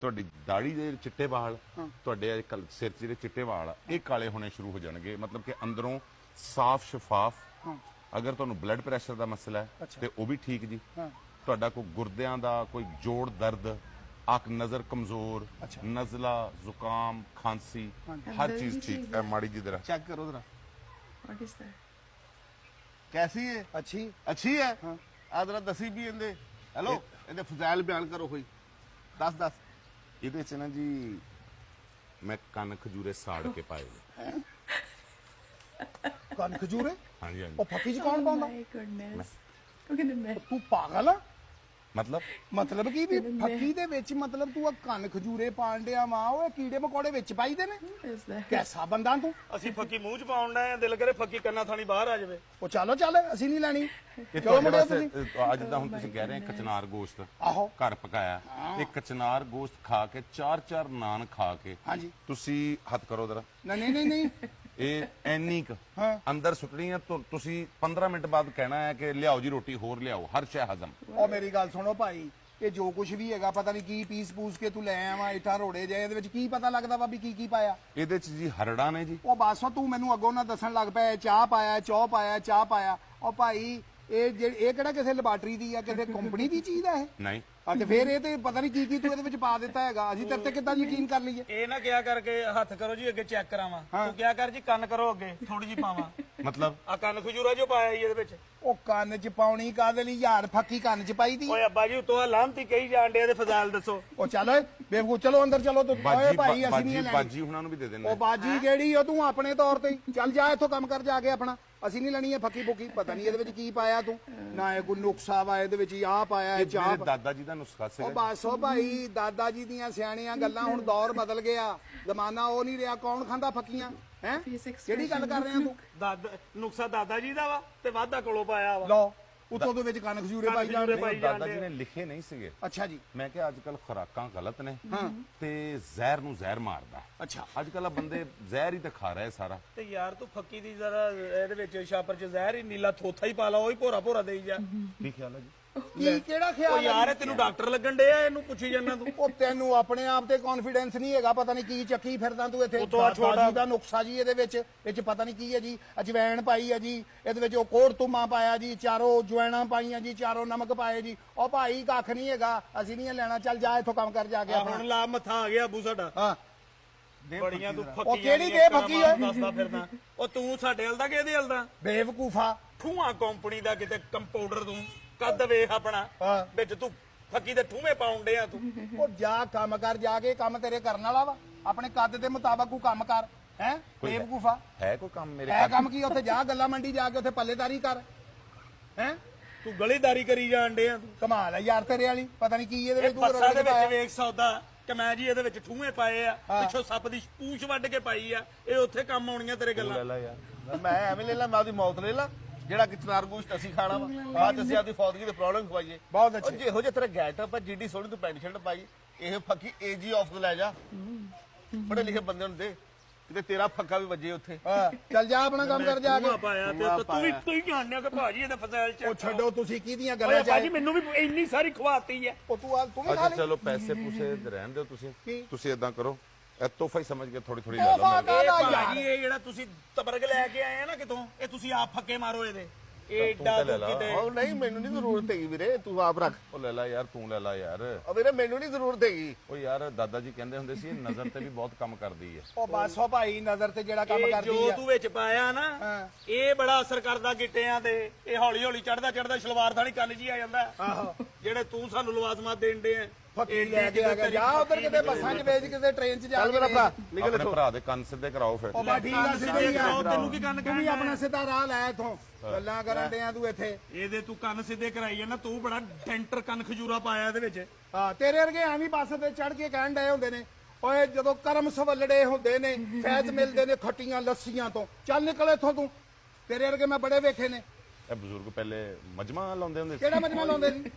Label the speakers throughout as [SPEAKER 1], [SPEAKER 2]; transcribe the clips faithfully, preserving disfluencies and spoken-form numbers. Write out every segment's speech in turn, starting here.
[SPEAKER 1] ਤੁਹਾਡੀ ਦਾੜੀ ਦੇ ਚਿੱਟੇ ਵਾਲ ਤੁਹਾਡੇ ਸਿਰ 'ਚ ਜਿਹੜੇ ਚਿੱਟੇ ਵਾਲ ਆ ਇਹ ਕਾਲੇ ਹੋਣੇ ਸ਼ੁਰੂ ਹੋ ਜਾਣਗੇ, ਮਤਲਬ ਕਿ ਅੰਦਰੋਂ ਸਾਫ਼ ਸ਼ਫਾਫ। ਅਗਰ ਤੁਹਾਨੂੰ ਬਲੱਡ ਪ੍ਰੈਸ਼ਰ ਦਾ ਮਸਲਾ ਹੈ ਤੇ ਉਹ ਵੀ ਠੀਕ ਜੀ। ਤੁਹਾਡਾ ਕੋਈ ਗੁਰਦਿਆਂ ਦਾ ਕੋਈ ਜੋੜ ਦਰਦ, ਅੱਖ ਨਜ਼ਰ ਕਮਜ਼ੋਰ, ਨਜ਼ਲਾ, ਜ਼ੁਕਾਮ, ਖਾਂਸੀ, हर चीज ठीक है। माड़ी जी जरा
[SPEAKER 2] चेक करो जरा।
[SPEAKER 3] What is that?
[SPEAKER 2] कैसी है? अच्छी अच्छी है। हाँ। आ जरा दसी भी इंदे हेलो इंदे फजाइल बयान करो कोई दस दस।
[SPEAKER 1] ਇਹਦੇ ਚ ਨਾ ਜੀ ਮੈਂ ਕੰਨ ਖਜੂਰੇ ਸਾੜ ਕੇ ਪਾਏ ਨੇ।
[SPEAKER 4] ਕੰਨ ਖਜੂਰੇ?
[SPEAKER 1] ਹਾਂਜੀ ਹਾਂਜੀ।
[SPEAKER 4] ਉਹ ਫੱਕੀ ਚ ਕੌਣ ਪਾਉਂਦਾ?
[SPEAKER 3] My goodness. Look at the mess.
[SPEAKER 4] ਤੂੰ ਪਾਗਲ ਆ?
[SPEAKER 1] ਮਤਲਬ
[SPEAKER 4] ਮਤਲਬ ਕੀ ਵੀ ਫੱਕੀ ਦੇ ਵਿੱਚ ਮਤਲਬ ਤੂੰ ਆ ਕੰਨ ਖਜੂਰੇ ਪਾਣ ਡਿਆ ਮਾਂ, ਉਹ ਕੀੜੇ ਮਕੌੜੇ ਵਿੱਚ ਪਾਈਦੇ ਨੇ?
[SPEAKER 3] What is that?
[SPEAKER 4] ਕੈਸਾ ਬੰਦਾ ਤੂੰ?
[SPEAKER 5] ਅਸੀਂ ਫੱਕੀ ਮੂੰਹ ਚ ਪਾਉਣ ਦਾ ਦਿਲ ਕਰੇ ਫੱਕੀ ਕੰਨਾਂ ਥਾਣੀ ਬਾਹਰ ਆ ਜਾਵੇ।
[SPEAKER 4] ਉਹ ਚਲੋ ਚੱਲ, ਅਸੀਂ ਨਹੀਂ ਲੈਣੀ।
[SPEAKER 1] ਇਹ
[SPEAKER 4] ਚਲੋ
[SPEAKER 1] ਤੁਹਾਡੇ
[SPEAKER 4] ਮੁੰਡੇ
[SPEAKER 1] ਵਾਸਤੇ
[SPEAKER 4] ਤੁਸੀਂ
[SPEAKER 1] ਅੱਜ ਦਾ ਹੁਣ ਤੁਸੀਂ ਕਹਿ ਰਹੇ ਕਚਨਾਰ ਗੋਸ਼ਤ
[SPEAKER 4] ਆਹੋ
[SPEAKER 1] ਘਰ ਪਕਾਇਆ, ਇਹ ਕਚਨਾਰ ਗੋਸ਼ਤ ਖਾ ਕੇ ਚਾਰ ਚਾਰ ਨਾਨ ਖਾ ਕੇ
[SPEAKER 4] ਹਾਂਜੀ
[SPEAKER 1] ਤੁਸੀਂ ਹੱਥ ਕਰੋ ਜਰਾ।
[SPEAKER 4] ਨਹੀਂ ਨਹੀਂ ਨਹੀਂ
[SPEAKER 1] ਇਹ ਐਨੀ ਕ
[SPEAKER 4] ਹਾਂ।
[SPEAKER 1] ਅੰਦਰ ਸੁੱਟਣੀ ਆ ਤੁ- ਤੁਸੀਂ ਪੰਦਰਾਂ ਮਿੰਟ ਬਾਅਦ ਕਹਿਣਾ ਹੈ ਕਿ ਲਿਆਓ ਜੀ ਰੋਟੀ ਹੋਰ ਲਿਆਓ, ਹਰ ਸ਼ੈ ਹਜ਼ਮ।
[SPEAKER 4] ਉਹ ਮੇਰੀ ਗੱਲ ਸੁਣੋ ਭਾਈ, ਇਹ ਜੋ ਕੁਝ ਵੀ ਹੈਗਾ ਪਤਾ ਨਹੀਂ ਕੀ ਪੀਸ ਪੂਸ ਕੇ ਤੂੰ ਲੈ ਆਵਾ ਇਟਾ ਰੋੜੇ ਜਾਏ, ਇਹਦੇ ਵਿੱਚ ਕੀ ਪਤਾ ਲੱਗਦਾ ਵਾ ਵੀ ਕੀ ਕੀ ਪਾਇਆ?
[SPEAKER 1] ਇਹਦੇ ਚ ਜੀ ਹਰੜਾ ਨੇ ਜੀ।
[SPEAKER 4] ਉਹ ਬਸ ਤੂੰ ਮੈਨੂੰ ਅੱਗੋਂ ਨਾ ਦੱਸਣ ਲੱਗ ਪਿਆ ਚਾਹ ਪਾਇਆ, ਚੌ ਪਾਇਆ, ਚਾਹ ਪਾਇਆ। ਉਹ ਭਾਈ ਇਹ ਜਿਹੜੀ ਇਹ ਕਿਹੜਾ ਕਿਸੇ ਲੈਬਾਰਟਰੀ ਦੀ ਆ, ਕਿਸੇ ਕੰਪਨੀ ਦੀ ਚੀਜ਼ ਆ ਇਹ?
[SPEAKER 1] ਨਹੀਂ
[SPEAKER 4] ਆ ਤੇ ਫੇਰ ਇਹ ਤੇ ਪਤਾ ਨਹੀਂ ਕੀ ਕੀ ਤੂੰ ਇਹਦੇ ਵਿੱਚ ਪਾ ਦਿੱਤਾ ਹੈਗਾ। ਅਸੀਂ ਤੇਰੇ ਤੇ ਕਿੱਦਾਂ ਯਕੀਨ ਕਰ ਲਈਏ?
[SPEAKER 5] ਇਹ ਨਾ ਕਿਹਾ ਕਰਕੇ ਹੱਥ ਕਰੋ ਜੀ ਅੱਗੇ ਚੈੱਕ ਕਰਾਵਾਂ, ਤੂੰ ਕਿਹਾ ਕਰ ਜੀ ਕੰਨ ਕਰੋ ਅੱਗੇ ਥੋੜੀ ਜੀ ਪਾਵਾਂ।
[SPEAKER 1] ਮਤਲਬ
[SPEAKER 5] ਆ ਕੰਨ ਖਜੂਰਾ ਜੋ ਪਾਇਆ ਜੀ ਇਹਦੇ ਵਿੱਚ।
[SPEAKER 4] ਉਹ ਕੰਨ ਚ ਪਾਉਣੀ ਕਾਹਦੇ ਲਈ ਯਾਰ? ਫੱਕੀ ਕੰਨ ਚ ਪਾਈ ਦੀ?
[SPEAKER 5] ਓਏ ਅੱਬਾ ਜੀ ਉਤੋਂ ਲਾਂਤੀ ਕਹੀ ਜਾਣ ਡੇ, ਇਹਦੇ ਫਜ਼ਾਇਲ ਦੱਸੋ।
[SPEAKER 4] ਉਹ ਚੱਲ ਓਏ ਬੇਵਕੂਫ, ਚਲੋ ਅੰਦਰ ਚਲੋ ਤੂੰ। ਓਏ
[SPEAKER 1] ਬਾਜੀ
[SPEAKER 4] ਭਾਈ ਅਸੀਂ
[SPEAKER 1] ਬਾਜੀ
[SPEAKER 4] ਨਹੀਂ ਲੈਣੀ।
[SPEAKER 1] ਬਾਜੀ ਉਹਨਾਂ ਨੂੰ ਵੀ ਦੇ ਦੇਣਾ।
[SPEAKER 4] ਉਹ ਬਾਜੀ ਕਿਹੜੀ ਆ ਤੂੰ ਆਪਣੇ ਤੌਰ ਤੇ ਹੀ। ਚੱਲ ਜਾ ਇੱਥੋਂ ਕੰਮ ਕਰ ਜਾ ਕੇ ਆਪਣਾ, ਅਸੀਂ ਨਹੀਂ ਲੈਣੀ ਹੈ ਫੱਕੀ ਫੁੱਕੀ। ਪਤਾ ਨਹੀਂ ਇਹਦੇ ਵਿੱਚ ਕੀ ਪਾਇਆ ਤੂੰ, ਨਾ ਇਹ ਕੋਈ ਨੁਕਸਾ ਵਾ ਇਹਦੇ ਵਿੱਚ, ਆਹ ਪਾਇਆ ਇਹ ਚਾਹ।
[SPEAKER 1] ਮੇਰੇ ਦਾਦਾ ਜੀ ਦਾ ਨੁਸਖਾ
[SPEAKER 4] ਉਹ
[SPEAKER 1] ਸੀਗਾ।
[SPEAKER 4] ਬਸ ਉਹ ਭਾਈ ਦਾਦਾ ਜੀ ਦੀਆਂ ਸਿਆਣੀਆਂ ਗੱਲਾਂ, ਹੁਣ ਦੌਰ ਬਦਲ ਗਿਆ, ਜ਼ਮਾਨਾ ਉਹ ਨਹੀਂ ਰਿਹਾ। ਕੌਣ ਖਾਂਦਾ ਫੱਕੀਆਂ ਹੈ? ਕਿਹੜੀ ਗੱਲ ਕਰ ਰਿਹਾ ਤੂੰ?
[SPEAKER 5] ਦਾਦਾ ਨੁਕਸਾ ਦਾਦਾ ਜੀ ਦਾ ਵਾ ਤੇ ਵਾਧਾ ਕੋਲੋਂ ਪਾਇਆ ਵਾ।
[SPEAKER 4] ਲਓ ਉਤੋਂ ਦੇ ਵਿੱਚ ਕੰਨ ਖਜੂਰੇ ਪਾਈ ਜਾਂਦੇ।
[SPEAKER 5] ਪਾਈ
[SPEAKER 1] ਦਾਦਾ ਜੀ ਨੇ ਲਿਖੇ ਨਹੀਂ ਸੀਗੇ।
[SPEAKER 4] ਅੱਛਾ ਜੀ।
[SPEAKER 1] ਮੈਂ ਕਿਹਾ ਅੱਜ ਕੱਲ ਖੁਰਾਕਾਂ ਗਲਤ ਨੇ ਤੇ ਜ਼ਹਿਰ ਨੂੰ ਜ਼ਹਿਰ ਮਾਰਦਾ।
[SPEAKER 4] ਅੱਛਾ
[SPEAKER 1] ਅੱਜ ਕੱਲ ਆ ਬੰਦੇ ਜ਼ਹਿਰ ਹੀ ਤਾਂ ਖਾ ਰਹੇ ਸਾਰਾ।
[SPEAKER 5] ਤੇ ਯਾਰ ਤੂੰ ਫੱਕੀ ਦੀ ਜ਼ਰਾ ਇਹਦੇ ਵਿੱਚ ਛਾਪਰ ਚ ਜ਼ਹਿਰ ਹੀ ਨੀਲਾ ਥੋਥਾ ਹੀ ਪਾ ਲਾ, ਉਹੀ ਭੋਰਾ ਭੋਰਾ ਦੇਈ ਜਾ।
[SPEAKER 1] ਕੀ ਖਿਆਲ ਹੈ ਜੀ?
[SPEAKER 4] ਕੀ ਕਿਹੜਾ
[SPEAKER 5] ਉਹ
[SPEAKER 4] ਖਿਆਲ
[SPEAKER 5] ਯਾਰ ਇਹ ਤੈਨੂੰ ਡਾਕਟਰ ਲੱਗਣ ਡੇ ਆ, ਇਹਨੂੰ ਪੁੱਛੀ ਜਾਂਦਾ ਤੂੰ।
[SPEAKER 4] ਉਹ ਤੈਨੂੰ ਆਪਣੇ ਆਪ ਤੇ ਕੌਨਫੀਡੈਂਸ ਨਹੀਂ ਹੈਗਾ, ਪਤਾ ਨਹੀਂ ਕੀ ਚੱਕੀ ਫਿਰਦਾ ਤੂੰ ਇੱਥੇ।
[SPEAKER 5] ਉਹ ਤੋਂ ਆ ਛੋਟਾ-
[SPEAKER 4] ਦਾਦਾ ਜੀ ਦਾ ਨੁਕਸਾ ਜੀ ਇਹਦੇ ਵਿੱਚ, ਇਹ ਚ ਪਤਾ ਨਹੀਂ ਕੀ ਹੈ ਜੀ। ਅਜਵੈਣ ਪਾਈ ਹੈ ਜੀ ਇਹਦੇ ਵਿੱਚ, ਉਹ ਕੋੜ ਤੁਮਾ ਪਾਇਆ ਜੀ, ਚਾਰੋਂ ਜਵੈਣਾ ਪਾਈਆਂ ਜੀ, ਚਾਰੋਂ ਨਮਕ ਪਾਏ ਜੀ। ਉਹ ਭਾਈ ਕੱਖ ਨਹੀਂ ਹੈਗਾ, ਅਸੀਂ ਨਹੀਂ ਲੈਣਾ। ਚੱਲ ਜਾ ਇੱਥੋਂ ਕੰਮ ਕਰ ਜਾ ਕੇ
[SPEAKER 5] ਆ
[SPEAKER 4] ਆਪਣਾ।
[SPEAKER 5] ਹੁਣ ਲਾ ਮੱਥਾ ਆ ਗਿਆ ਬੂ ਸਾਡਾ।
[SPEAKER 4] ਹਾਂ
[SPEAKER 5] ਬੜੀਆਂ ਤੂੰ ਫੱਕੀ
[SPEAKER 4] ਉਹ ਕਿਹੜੀ ਬੇਫੱਕੀ ਓਏ?
[SPEAKER 5] ਦੱਸਦਾ ਫਿਰਦਾ। ਉਹ ਤੂੰ ਸਾਡੇ ਹਲ ਦਾ ਕਿ ਇਹਦੇ ਹਲ ਦਾ?
[SPEAKER 4] ਬੇਵਕੂਫਾ।
[SPEAKER 5] ਠੂਆ ਕੰਪਨੀ ਦਾ ਕਿਤੇ ਕੰਪਾਊਂਡਰ ਤੂੰ ਕੱਦ ਵੇਖ ਆਪਣਾ,
[SPEAKER 4] ਹਾਂ।
[SPEAKER 5] ਵਿੱਚ ਤੂੰ ਫੱਕੀ ਦੇ ਠੂਵੇਂ ਪਾਉਣ ਡਿਆ ਤੂੰ।
[SPEAKER 4] ਉਹ ਜਾ ਕੰਮ ਕਰ ਜਾ ਕੇ, ਕੰਮ ਤੇਰੇ ਕਰਨ ਵਾਲਾ ਵਾ। ਆਪਣੇ ਕੱਦ ਦੇ ਮੁਤਾਬਕ ਤੂੰ ਕੰਮ ਕਰ ਹੈ
[SPEAKER 1] ਕੋਈ-
[SPEAKER 4] ਬੇਵਕੂਫਾ।
[SPEAKER 1] ਹੈ ਕੋਈ ਕੰਮ ਮੇਰੇ
[SPEAKER 4] ਇਹ
[SPEAKER 1] ਘਰ?
[SPEAKER 4] ਕੰਮ ਕੀ? ਉੱਥੇ ਜਾ ਗੱਲਾਂ ਮੰਡੀ ਜਾ ਕੇ ਉੱਥੇ ਪੱਲੇਦਾਰੀ ਕਰ ਹੈ।
[SPEAKER 5] ਤੂੰ ਗਲੀਦਾਰੀ ਕਰੀ ਜਾਣ ਡਿਆ ਤੂੰ।
[SPEAKER 4] ਕਮਾਲ ਹੈ ਯਾਰ ਤੇਰੇ ਵਾਲੀ, ਪਤਾ ਨਹੀਂ ਕੀ ਇਹਦੇ
[SPEAKER 5] ਇਹ
[SPEAKER 4] ਵਿੱਚ ਤੂੰ
[SPEAKER 5] ਬੱਸਾਂ ਦੇ
[SPEAKER 4] ਰਗੜ ਪਾਇਆ।
[SPEAKER 5] ਵਿੱਚ ਵੇਖ ਸੌਦਾ ਕਿ ਮੈਂ ਜੀ ਇਹਦੇ ਵਿੱਚ ਠੂਵੇਂ ਪਾਏ ਆ, ਪਿੱਛੋਂ ਸੱਪ ਦੀ ਪੂਛ ਵੱਢ ਕੇ ਪਾਈ ਆ। ਇਹ ਉੱਥੇ ਕੰਮ ਆਉਣੀਆਂ ਤੇਰੇ
[SPEAKER 1] ਤੂੰ ਲੈ
[SPEAKER 5] ਗੱਲਾਂ।
[SPEAKER 1] ਲਾ ਯਾਰ।
[SPEAKER 2] मैं एवं ले ला, मैं आपकी मौत ले ला। ਜਿਹੜਾ ਕਿ ਚਨਾਰ ਗੋਸ਼ਤ ਅਸੀਂ ਖਾਣਾ ਵਾ, ਬਾਅਦ ਚ ਅਸੀਂ ਆਪਦੀ ਫੌਦਗੀ ਦੇ ਪ੍ਰੋਬਲਮ ਖਵਾਈਏ।
[SPEAKER 4] ਬਹੁਤ
[SPEAKER 2] ਉਹ
[SPEAKER 4] ਅੱਛੇ।
[SPEAKER 2] ਜਿਹੋ ਜਿਹਾ ਤੇਰਾ ਗੈਟਅਪ ਆ, ਜਿੱਡੀ ਸੋਹਣੀ ਤੂੰ ਪੈਂਟ ਸ਼ਰਟ ਪਾਈ, ਇਹ ਫੱਕੀ ਏਜੀ ਆਫ ਲੈ ਜਾ। ਪੜ੍ਹੇ ਲਿਖੇ ਬੰਦੇ ਨੂੰ ਦੇ ਕਿਤੇ ਤੇਰਾ ਫੱਕਾ ਵੀ ਵੱਜੇ ਉੱਥੇ।
[SPEAKER 4] ਹਾਂ, ਚੱਲ ਜਾ ਆਪਣਾ ਕੰਮ ਕਰ ਜਾ ਕੇ।
[SPEAKER 5] ਠੂਆ ਪਾਇਆ ਤੇ ਤੂੰ ਵੀ ਤੂੰ ਹੀ ਜਾਣਿਆ ਕਿ ਭਾਜੀ ਇਹਦਾ ਫਜ਼ਾਇਲ ਚ।
[SPEAKER 4] ਉਹ ਛੱਡੋ ਤੁਸੀਂ ਕਿਹਦੀਆਂ
[SPEAKER 5] ਓਏ
[SPEAKER 4] ਗੱਲਾਂ
[SPEAKER 5] ਭਾਜੀ
[SPEAKER 4] ਚ।
[SPEAKER 5] ਮੈਨੂੰ ਵੀ ਇੰਨੀ ਸਾਰੀ ਖਵਾਤੀ ਹੈ।
[SPEAKER 4] ਉਹ ਤੂੰ ਆ ਤੂੰ ਵੀ ਖਾ
[SPEAKER 1] ਅੱਛਾ
[SPEAKER 4] ਲਈ।
[SPEAKER 1] ਚਲੋ ਪੈਸੇ ਪੂਸੇ ਰਹਿਣ ਦਿਓ ਤੁਸੀਂ।
[SPEAKER 4] ਕੀ?
[SPEAKER 1] ਤੁਸੀਂ ਇਦਾਂ ਕਰੋ, ਇਹ ਤੋਹਫਾ ਹੀ ਸਮਝ ਕੇ ਥੋੜੀ ਥੋੜੀ ਲੈ ਲਓ
[SPEAKER 4] ਤੋਹਫਾ
[SPEAKER 1] ਮੇਰੇ।
[SPEAKER 5] ਇਹ
[SPEAKER 4] ਕਾਹਦਾ ਯਾਰ?
[SPEAKER 5] ਭਾਜੀ ਇਹ ਜਿਹੜਾ ਤੁਸੀਂ ਤਬਰਗ ਲੈ ਕੇ ਆਏ ਆ ਨਾ ਕਿਤੋਂ, ਇਹ ਤੁਸੀਂ ਆਪ ਫੱਕੇ ਮਾਰੋ ਇਹਦੇ। ਇਹ
[SPEAKER 1] ਤੂੰ
[SPEAKER 5] ਏਡਾ
[SPEAKER 1] ਤਾਂ ਲੈ
[SPEAKER 5] ਤੂੰ
[SPEAKER 1] ਲਾ।
[SPEAKER 5] ਕਿਤੇ
[SPEAKER 2] ਉਹ ਨਹੀਂ, ਮੈਨੂੰ ਨਹੀਂ ਜ਼ਰੂਰਤ ਹੈਗੀ ਵੀਰੇ, ਤੂੰ ਆਪ ਰੱਖ।
[SPEAKER 1] ਉਹ ਲੈ ਲਾ ਯਾਰ, ਤੂੰ ਲੈ ਲਾ ਯਾਰ।
[SPEAKER 2] ਉਹ ਵੀਰੇ ਮੈਨੂੰ ਨਹੀਂ ਜ਼ਰੂਰਤ ਹੈਗੀ।
[SPEAKER 1] ਉਹ ਯਾਰ ਦਾਦਾ ਜੀ ਕਹਿੰਦੇ ਹੁੰਦੇ ਸੀ ਇਹ ਨਜ਼ਰ ਤੇ ਵੀ ਬਹੁਤ ਕੰਮ ਕਰਦੀ ਹੈ।
[SPEAKER 4] ਉਹ ਬਸ ਉਹ ਭਾਈ ਨਜ਼ਰ ਤੇ ਜਿਹੜਾ ਕੰਮ
[SPEAKER 5] ਇਹ
[SPEAKER 4] ਕਰਦੀ
[SPEAKER 5] ਜੋ
[SPEAKER 4] ਆ।
[SPEAKER 5] ਤੂੰ ਵਿੱਚ ਪਾਇਆ ਨਾ,
[SPEAKER 4] ਹਾਂ।
[SPEAKER 5] ਇਹ ਬੜਾ ਅਸਰ ਕਰਦਾ ਗਿੱਟਿਆਂ ਤੇ। ਇਹ ਹੌਲੀ ਹੌਲੀ ਚੜਦਾ ਚੜਦਾ ਸਲਵਾਰ ਥਾਣੀ ਕੰਨ ਜੀ ਆ ਜਾਂਦਾ।
[SPEAKER 4] ਆਹੋ
[SPEAKER 5] ਜਿਹੜੇ ਤੂੰ ਸਾਨੂੰ ਲਵਾਜ਼ਮਾਂ ਦੇਣ ਦੇ ਆ।
[SPEAKER 4] ਫੱਕੀ ਲੈ ਕੇ ਆ ਗਿਆ। ਜਾ ਉਧਰ ਕਿਤੇ ਬੱਸਾਂ 'ਚ ਵੇਚ, ਕਿਤੇ ਟ੍ਰੇਨ 'ਚ ਜਾ
[SPEAKER 2] ਚੱਲ
[SPEAKER 4] ਕੇ
[SPEAKER 2] ਮੇਰਾ ਭਰਾ
[SPEAKER 4] ਵੇਚ।
[SPEAKER 2] ਨਿਕਲ
[SPEAKER 1] ਆਪਣੇ
[SPEAKER 2] ਇੱਥੋਂ।
[SPEAKER 1] ਭਰਾ ਦੇ ਕੰਨ ਸਿੱਧੇ ਕਰਾਓ ਫਿਰ।
[SPEAKER 4] ਉਹ ਬਾ ਠੀਕ ਆ, ਸਿੱਧੇ ਹੀ ਆ।
[SPEAKER 5] ਤੈਨੂੰ ਕੀ ਕੰਨ
[SPEAKER 4] ਤੂੰ ਵੀ
[SPEAKER 5] ਕਹਿਣਾ
[SPEAKER 4] ਆਪਣਾ ਸਿੱਧਾ ਰਾਹ ਲੈ ਇੱਥੋਂ। ਗੱਲਾਂ ਕਰਨ ਡਿਆ ਤੂੰ ਇੱਥੇ।
[SPEAKER 5] ਇਹਦੇ ਤੂੰ ਕੰਨ ਸਿੱਧੇ ਕਰਾਈ ਜਾਂਦਾ। ਤੂੰ ਬੜਾ ਡੈਂਟਰ ਕੰਨ ਖਜੂਰਾ ਪਾਇਆ ਇਹਦੇ ਵਿੱਚ।
[SPEAKER 4] ਹਾਂ, ਤੇਰੇ ਵਰਗੇ ਐਵੇਂ ਬੱਸ ਤੇ ਚੜ ਕੇ ਕਹਿਣ ਡਏ ਹੁੰਦੇ ਨੇ, ਓਏ ਜਦੋਂ ਕਰਮ ਸਵੱਲੜੇ ਹੁੰਦੇ ਨੇ, ਫੈਜ਼ ਮਿਲਦੇ ਨੇ ਖੱਟੀਆਂ ਲੱਸੀਆਂ ਤੋਂ, ਚੱਲ ਨਿਕਲ ਇੱਥੋਂ ਤੂੰ। ਤੇਰੇ ਵਰਗੇ ਮੈਂ ਬੜੇ ਵੇਖੇ ਨੇ।
[SPEAKER 1] ਇਹ ਬਜ਼ੁਰਗ ਪਹਿਲੇ ਮਜਮਾ ਲਾਉਂਦੇ ਹੁੰਦੇ ਸੀ।
[SPEAKER 4] ਕਿਹੜਾ ਮਜਮਾ ਲਾਉਂਦੇ ਸੀ?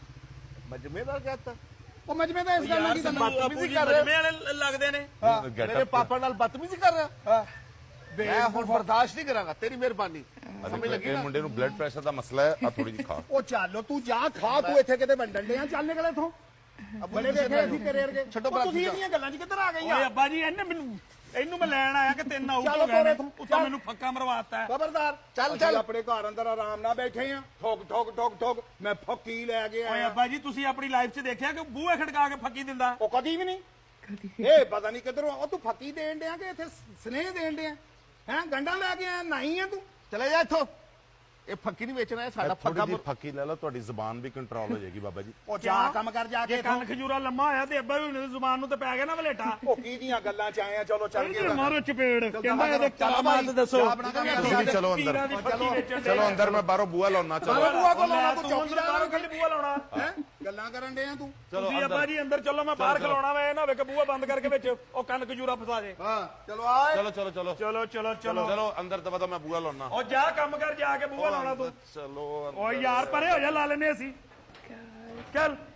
[SPEAKER 2] ਮਜਮੇਦਾਰ ਕਹਤਾ।
[SPEAKER 4] ਉਹ ਮਜਮੇ ਤਾਂ ਇਸ ਗੱਲ ਨਾਲ ਕੀ ਕਰਨਾ?
[SPEAKER 5] ਬਦਤਮੀਜ਼ੀ ਕਰ ਰਹੇ ਵਾਲੇ ਲੱਗਦੇ ਨੇ।
[SPEAKER 1] Get
[SPEAKER 2] ਮੇਰੇ
[SPEAKER 1] up।
[SPEAKER 2] ਪਾਪਾ ਨਾਲ ਬਦਤਮੀਜ਼ੀ ਕਰ ਰਿਹਾ।
[SPEAKER 4] ਹਾਂ,
[SPEAKER 2] ਮੈਂ ਹੁਣ ਬਰਦਾਸ਼ਤ ਨਹੀਂ ਕਰਾਂਗਾ, ਤੇਰੀ ਮਿਹਰਬਾਨੀ। ਸਮਝ ਲੱਗੀ
[SPEAKER 1] ਇਹ
[SPEAKER 2] ਨਾ?
[SPEAKER 1] ਮੁੰਡੇ ਨੂੰ ਬਲੱਡ ਪ੍ਰੈਸ਼ਰ ਦਾ ਮਸਲਾ ਹੈ, ਆ ਥੋੜੀ ਜਿਹੀ ਖਾ।
[SPEAKER 4] ਉਹ ਚੱਲ ਤੂੰ ਜਾ ਖਾ, ਤੂੰ ਇੱਥੇ ਕਿਤੇ ਵੰਡਣ ਡਿਆ। ਚੱਲ ਨਿਕਲ ਇੱਥੋਂ। ਬੜੇ ਵੇਖੇ ਅਸੀਂ ਤੇਰੇ ਵਰਗੇ
[SPEAKER 2] ਛੱਡੋ
[SPEAKER 4] ਉਹ
[SPEAKER 2] ਭਰਾ
[SPEAKER 4] ਤੁਸੀਂ
[SPEAKER 2] ਜੀ।
[SPEAKER 4] ਇਹਦੀਆਂ ਗੱਲਾਂ 'ਚ ਕਿੱਧਰ ਆ ਗਏ
[SPEAKER 5] ਓਏ
[SPEAKER 4] ਆ
[SPEAKER 5] ਅੱਬਾ ਜੀ ਇਹਨੇ ਮੈਨੂੰ ਇਹਨੂੰ ਮੈਂ ਲੈਣ ਆਇਆ ਕਿ ਤਿੰਨ ਆਊਟ
[SPEAKER 4] ਚੱਲ
[SPEAKER 5] ਹੋ ਗਏ
[SPEAKER 4] ਤੋਰੇ
[SPEAKER 5] ਨੇ।
[SPEAKER 4] ਤੂੰ,
[SPEAKER 5] ਉੱਤੋਂ
[SPEAKER 4] ਚੱਲ।
[SPEAKER 5] ਮੈਨੂੰ ਫੱਕਾ ਮਰਵਾਤਾ
[SPEAKER 4] ਖਬਰਦਾਰ
[SPEAKER 2] ਚੱਲ,
[SPEAKER 4] ਅਸੀਂ
[SPEAKER 2] ਚੱਲ।
[SPEAKER 4] ਆਪਣੇ ਘਰ ਅੰਦਰ ਆਰਾਮ ਨਾਲ ਬੈਠੇ ਆ ਠੋਕ ਠੋਕ ਠੋਕ ਠੋਕ ਮੈਂ ਫੱਕੀ ਲੈ ਕੇ
[SPEAKER 5] ਓਏ
[SPEAKER 4] ਆਇਆ
[SPEAKER 5] ਅੱਬਾ ਜੀ ਤੁਸੀਂ ਆਪਣੀ ਲਾਈਫ 'ਚ ਦੇਖਿਆ ਕਿ ਬੂਹੇ ਖੜਕਾ ਕੇ ਫੱਕੀ ਦਿੰਦਾ
[SPEAKER 4] ਉਹ ਕਦੀ ਵੀ ਨਹੀਂ ਇਹ ਪਤਾ ਨਹੀਂ ਕਿੱਧਰੋਂ ਉਹ ਤੂੰ ਫੱਕੀ ਦੇਣ ਡਿਆ ਕਿ ਇੱਥੇ ਸਨੇਹ ਦੇਣ ਡਿਆ ਹੈ ਗੰਡਾ ਲੈ ਕੇ ਆਇਆ ਨਹੀਂ ਆ ਤੂੰ
[SPEAKER 2] ਚਲੇ ਜਾ ਇੱਥੋਂ ਇਹ ਫੱਕੀ ਨਹੀਂ ਵੇਚਣਾ ਇਹ ਸਾਡਾ
[SPEAKER 1] ਥੋੜੀ
[SPEAKER 2] ਫੱਕਾ
[SPEAKER 1] ਜਿਹੀ ਫੱਕੀ ਲੈ ਲਓ ਤੁਹਾਡੀ ਜ਼ੁਬਾਨ ਵੀ ਕੰਟਰੋਲ ਹੋ ਜਾਏਗੀ ਬਾਬਾ ਜੀ
[SPEAKER 4] ਉਹ ਜਾ ਕੰਮ ਕਰ ਜਾ ਕੇ
[SPEAKER 5] ਜੇ ਕੰਨ ਖਜੂਰਾ ਲੰਮਾ ਹੋਇਆ ਤੇ ਅੱਬਾ ਵੀ ਹੁਣ ਜ਼ੁਬਾਨ ਨੂੰ ਤੇ ਪੈ ਗਿਆ ਨਾ ਵਲੇਟਾ
[SPEAKER 4] ਉਹ ਕੀ ਦੀਆਂ ਗੱਲਾਂ 'ਚ ਆਏ ਆ ਚਲੋ ਚੱਲ
[SPEAKER 5] ਇਹਦੇ
[SPEAKER 4] ਕੇ
[SPEAKER 5] ਮਾਰੋ ਚਪੇੜ ਕਹਿੰਦਾ
[SPEAKER 4] ਚੱਲ
[SPEAKER 5] ਇਹਦੇ
[SPEAKER 4] ਚੱਲ
[SPEAKER 5] ਕਰਾਮਾਤ
[SPEAKER 4] ਭਾਈ,
[SPEAKER 5] ਦੱਸੋ
[SPEAKER 4] ਚਾਹ ਬਣਾ ਕੇ ਲਿਆ।
[SPEAKER 1] ਤੁਸੀਂ ਵੀ ਚਲੋ ਅੰਦਰ
[SPEAKER 5] ਪੀਰਾਂ ਦੀ ਫੱਕੀ ਵੇਚਣ ਦੇ
[SPEAKER 1] ਚਲੋ ਅੰਦਰ ਮੈਂ ਬਾਹਰੋਂ ਬੂਆ ਲਾਉਣਾ ਚਲੋ
[SPEAKER 4] ਚਲੋ ਬੂਆ ਕੋਲ ਆਉਣਾ,
[SPEAKER 5] ਤੂੰ
[SPEAKER 4] ਤੂੰ ਚੌਕੀਦਾਰ
[SPEAKER 5] ਬਾਹਰੋਂ ਕੱਢ ਬੂਆ ਲਾਉਣਾ
[SPEAKER 4] ਹੈ ਗੱਲਾਂ ਕਰਨ ਡਿਆ ਤੂੰ
[SPEAKER 5] ਤੁਸੀਂ ਅੱਬਾ ਜੀ ਅੰਦਰ ਚੱਲੋ ਮੈਂ ਬਾਹਰ ਖਲਾਉਣਾ ਵਾ ਇਹ ਨਾ ਹੋਵੇ ਕਿ ਬੂਆ ਬੰਦ ਕਰਕੇ ਵਿੱਚ ਉਹ ਕੰਨ ਖਜੂਰਾ ਫਸਾ ਦੇ
[SPEAKER 4] ਹਾਂ ਚਲੋ ਆਏ
[SPEAKER 1] ਚਲੋ ਚਲੋ ਚਲੋ
[SPEAKER 5] ਚਲੋ ਚਲੋ ਚਲੋ
[SPEAKER 1] ਚਲੋ ਅੰਦਰ ਦਵਾ ਮੈਂ ਬੂਆ ਲਾਉਣਾ
[SPEAKER 5] ਉਹ ਜਾ ਕੰਮ ਕਰ ਜਾ ਕੇ ਬੂਆ ਲਾਉਣਾ ਤੂੰ
[SPEAKER 1] ਚਲੋ
[SPEAKER 5] ਓ ਯਾਰ ਪਰੇ ਹੋ ਜਾ ਲਾ ਲੈਨੇ ਅਸੀਂ ਚੱਲ